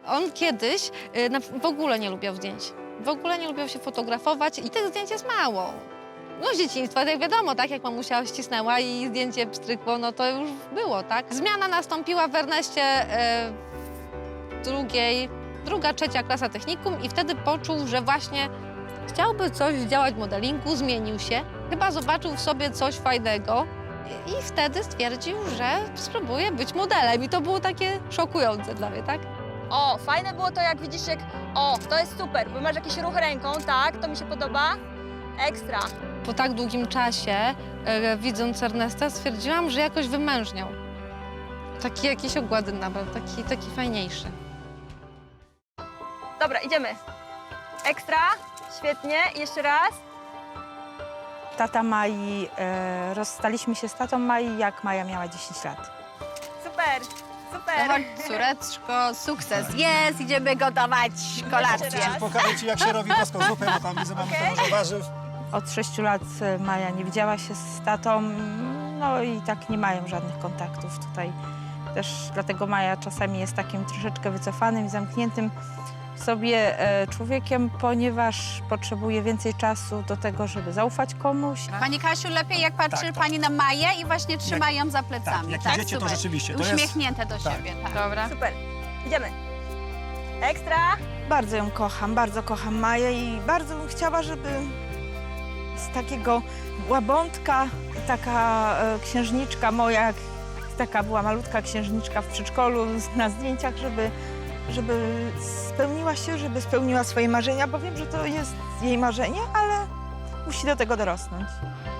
On kiedyś w ogóle nie lubiał zdjęć. W ogóle nie lubiał się fotografować i tych zdjęć jest mało. No z dzieciństwa, tak wiadomo, tak jak mamusia ścisnęła i zdjęcie pstrykło, no to już było, tak? Zmiana nastąpiła w Erneście druga, trzecia klasa technikum i wtedy poczuł, że właśnie chciałby coś działać w modelingu, zmienił się. Chyba zobaczył w sobie coś fajnego i wtedy stwierdził, że spróbuje być modelem i to było takie szokujące dla mnie, tak? O, fajne było to, jak widzisz, O, to jest super, bo masz jakiś ruch ręką, tak? To mi się podoba. Ekstra. Po tak długim czasie, widząc Ernesta, stwierdziłam, że jakoś wymężniał. Taki jakiś ogłady nabrał, taki fajniejszy. Dobra, idziemy. Ekstra, świetnie. Jeszcze raz. Tata Mai, rozstaliśmy się z tatą Mai, jak Maja miała 10 lat. Super, super. Chodź, córeczko, sukces jest, idziemy gotować kolację. raz. Pokażę ci, jak się robi włoską zupę, bo tam widzę, mamy Okej. dużo warzyw. Od 6 lat Maja nie widziała się z tatą, no i tak nie mają żadnych kontaktów tutaj. Też dlatego Maja czasami jest takim troszeczkę wycofanym i zamkniętym w sobie człowiekiem, ponieważ potrzebuje więcej czasu do tego, żeby zaufać komuś. Pani Kasiu, lepiej jak patrzy Tak, tak. pani na Maję i właśnie trzyma ją za plecami. jak idziecie, to super. rzeczywiście, to jest- Uśmiechnięte do tak. siebie, tak. Dobra. Super. Idziemy. Ekstra. Bardzo ją kocham, bardzo kocham Maję i bardzo bym chciała, żeby z takiego łabątka, taka księżniczka moja, jak taka była malutka księżniczka w przedszkolu na zdjęciach, żeby spełniła się, żeby spełniła swoje marzenia, bo wiem, że to jest jej marzenie, ale musi do tego dorosnąć.